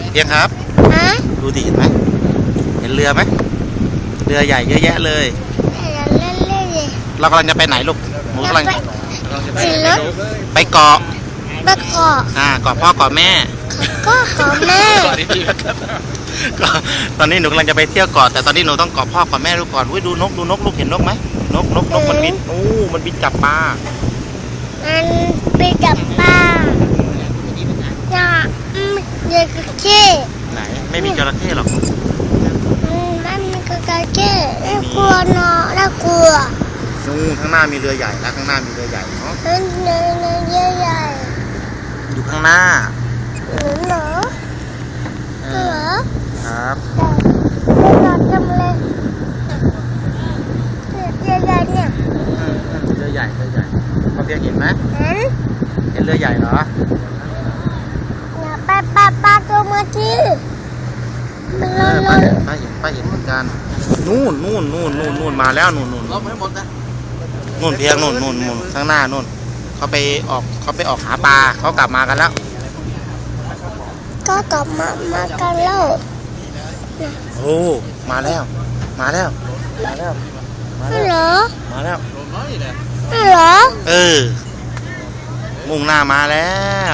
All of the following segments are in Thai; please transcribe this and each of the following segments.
เพียงครับดูดิเห็นไหมเห็นเรือไหมเรือใหญ่เยอะแยะเลยเรากำลังจะไปไหนลูกหนูกำลังไปเกาะเกาะพ่อเกาะแม่ก็เกาะแม่ตอนนี้หนูกำลังจะไปเที่ยวเกาะแต่ตอนนี้หนูต้องเกาะพ่อเกาะแม่ดูก่อนดูนกลูกเห็นนกไหมนกมันบินมันบินจับปลามันไปจับปลาน่ะเด็กขี้ไหนไม่มีจระเข้หรอกไม่มีจระเข้น่ากลัวเนาะน่ากลัวข้างหน้ามีเรือใหญ่นะข้างหน้ามีเรือใหญ่เนาะเรือใหญ่อยู่ข้างหน้าเหรอครับเรือจำเลยเรือใหญ่เนี่ยเรือใหญ่เขาเพียงเห็นไหมเห็นเรือใหญ่เหรอปลาตัวเมื่อกี้ป้าเห็นเหมือนกันนู่นมาแล้วนู่นไม่หมดนะนู่นเพียงนู่นข้างหน้านู่นเขาไปออกหาปลาเขากลับมากันแล้วก็กลับมากันแล้วโอ้มาแล้วเหรอมุ่งหน้ามาแล้ว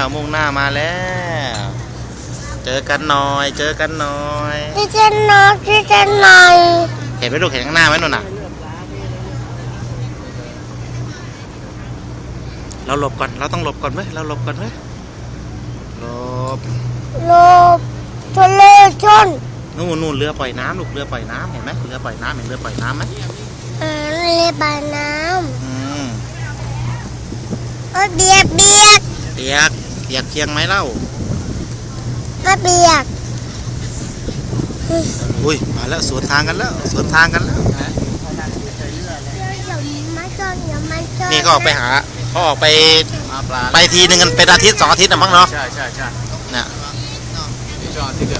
เจอกันหน่อยที่เจนน้อยเห็นไหมลูกเห็นข้างหน้าไหมนู่นน่ะเราหลบก่อนเราต้องหลบก่อนไหมเราหลบก่อนไหมหลบทะเลชนนู่นเรือปล่อยน้ำลูกเรือปล่อยน้ำเห็นไหมเรือปล่อยน้ำเห็นเรือปล่อยน้ำไหมเรือปล่อยน้ำเบียกเชียงไหมเล่าเบียกอุ้ยมาแล้วสวนทางกันแล้วนี่ก็ออกไปหาเขาออกไปทีนึงกันเป็นอาทิตย์2 อาทิตย์นะมั้งเนาะใช่เนี่ยจอดที่เกิด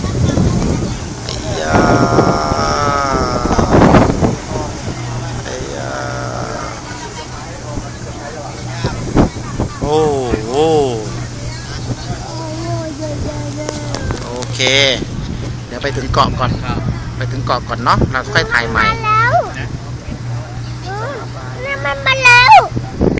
โอเคเดี๋ยวไปถึงเกาะก่อนเนาะเราค่อยถ่ายใหม่แล้วนี่มันมา